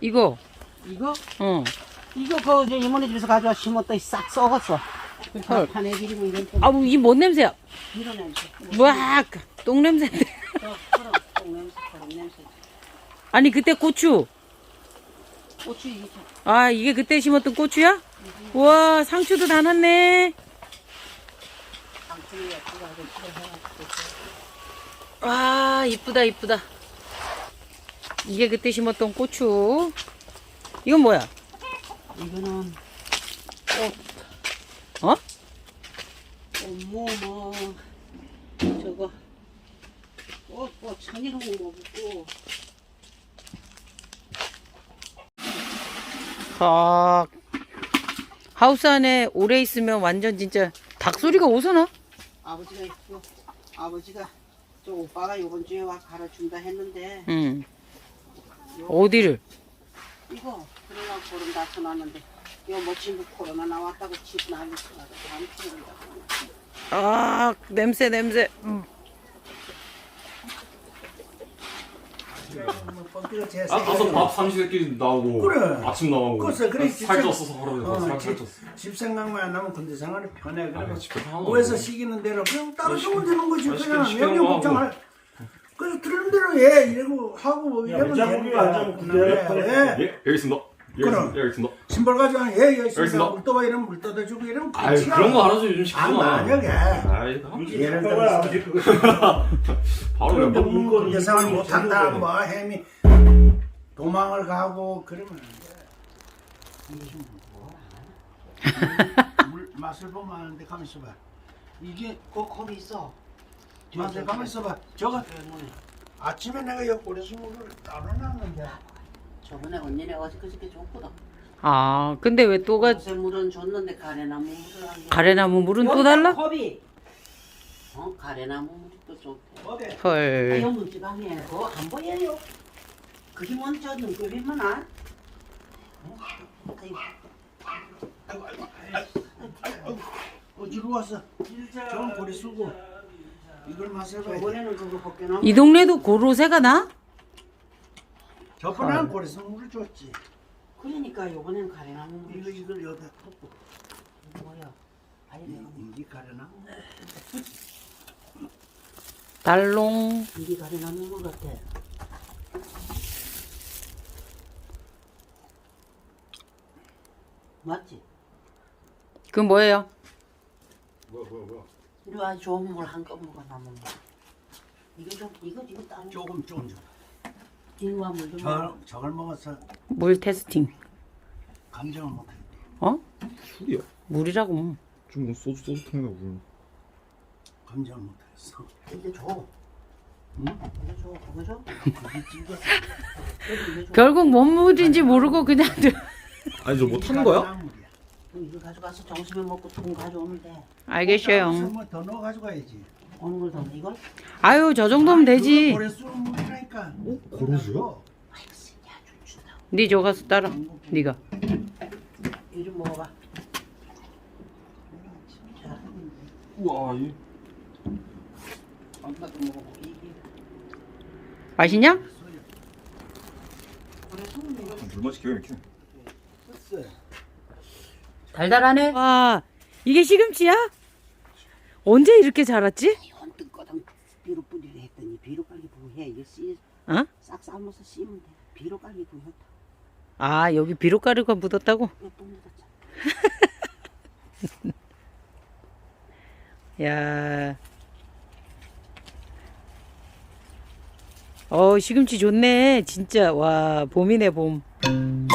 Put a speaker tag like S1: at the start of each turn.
S1: 이거.
S2: 이거?
S1: 어.
S2: 이거 저 이모네 집에서 가져와 심었더니 싹 썩었어.
S1: 헐.
S2: 판에 기리고 이런
S1: 아, 이 뭔 냄새야?
S2: 이런 냄새.
S1: 와, 똥 냄새인데.
S2: 그럼 똥 냄새, 그런 냄새.
S1: 아니, 그때 고추.
S2: 고추 이게 참.
S1: 아, 이게 그때 심었던 고추야? 우와, 상추도 다 났네.
S2: 상추에 그거 아주 해가지고.
S1: 와, 이쁘다, 이쁘다. 이게 그때 심었던 고추. 이건 뭐야?
S2: 이거는
S1: 어?
S2: 뭐 저거 천일홍 먹고.
S1: 아, 하우스 안에 오래 있으면 완전 진짜 닭 소리가 오서나?
S2: 아버지가 있고 아버지가 저 오빠가 요번 주에 와 갈아준다 했는데
S1: 응. 어디를?
S2: 이거 그러려고 보름 다 쳐놨는데 요 멋진 코로나 나왔다고 집 난리 쳐가지고 안 치는다고.
S1: 아, 냄새, 냄새.
S3: 가서 밥 삼시세끼 나오고
S4: 그래.
S3: 아침 나오고
S4: 그래, 그래,
S3: 살쪘어서 그러면서
S4: 집,
S3: 살쪘어.
S4: 집 생각만 안 하면 군대 생활이 편해. 그러면
S3: 집에 하나도
S4: 뭐해서
S3: 없어.
S4: 시키는 대로 그냥 따로 주면 되는 거지.
S3: 시키는
S4: 그냥
S3: 시키는
S4: 명령
S3: 거
S4: 걱정할. 그래서 들은 대로 해 이러고 하고 뭐 이러면 되는 거야. 예.
S3: 예, 여기 있습니다. 여기
S4: 그럼.
S3: 있습니다. 여기 있습니다.
S4: 신발 가져가면 예 있습니다.
S3: 있습니다.
S4: 물 떠봐 이러면 물 떠다 주고 이러면
S3: 아유
S4: 끝이야.
S3: 그런 거 알아서 요즘
S4: 안
S3: 시키잖아.
S4: 만약에
S3: 아이
S4: 예를 들어서
S3: 바로
S4: 그런데
S3: 그냥
S4: 뭐 군대 생활 못한다 뭐 햄이 도망을 가고 그러면 안 돼. 물 맛을 보면 아는데 가만 있어봐. 이게
S2: 거기 있어.
S4: 맛을 가만 있어봐. 저거
S2: 때문에
S4: 아침에 내가 여기 고래수 물을 따로 놨는데
S2: 저번에 언니네 어저께 줬거든.
S1: 아, 근데 왜 또가
S2: 요새 물은 줬는데 가래나무 물을 안 줘.
S1: 가래나무 물은 또 달라?
S2: 컵이. 가래나무 물이 또 좋대.
S4: 어디?
S1: 헐.
S2: 아유 문지방에 그거 안 보여요. 그게 먼저 눈급이면 안. 아이고.
S4: 어디로 왔어? 저건 고래수고 이걸 맛을 봐야 돼.
S2: 저번에는 그거 벗겨놓은
S1: 이 동네도 고로쇠가 나?
S4: 저번에는 고래수 물을 줬지.
S2: 그러니까 요번에는 가래나무 물.
S4: 이걸 여기다 덮고
S2: 뭐야? 아니
S4: 이게 가려나?
S1: 달롱.
S2: 이게 가래나무 물 같아. 맞지?
S1: 그건 뭐예요?
S3: 뭐야.
S2: 이리 와 좋은 물 한꺼번에 남은 거. 이거 따로.
S4: 조금 좀 줘.
S2: 이거 물 좀. 먹어.
S4: 저걸 먹어서
S1: 물 테스팅.
S4: 감정을 못해.
S1: 어?
S3: 술이야.
S1: 물이라고.
S3: 좀 소주통이나 물.
S4: 감정을 못했어.
S2: 이제 줘.
S4: 응?
S2: 이제 줘. 그거 줘.
S4: 그게 찍어.
S2: 이거 줘.
S1: 결국 뭔 물인지 모르고 그냥
S3: 아니 저 뭐 타는 거야?
S4: 나물이야.
S2: 이거 가져가서 점심에 먹고 통 가져오면 돼.
S1: 알겠어요.
S4: 뭐더 넣어 가져가야지.
S2: 어느 걸 더? 이걸?
S1: 아유, 저 정도면 되지.
S4: 고래수 물이라니까.
S3: 고로수야?
S2: 아이고 새끼야 좀 준다.
S1: 네 저 가서 따라. 네가.
S2: 이거 좀 먹어봐. 자,
S3: 우와 이
S2: 엄마도 먹어보고 이게.
S1: 맛있냐?
S2: 그래서 이거
S3: 물 맛이 기가 막히네.
S1: 달달하네. 와, 이게 시금치야? 언제 이렇게 자랐지?
S2: 헌뜩 거당 비로 뿌리려 했더니 비로 빨리 부해. 이거
S1: 어?
S2: 싹 삶아서 씹으면 돼. 비로 빨리 부었다.
S1: 아, 여기 비료가루가 묻었다고?
S2: 이거 또 묻었잖아.
S1: 야. 시금치 좋네. 진짜. 와, 봄이네, 봄.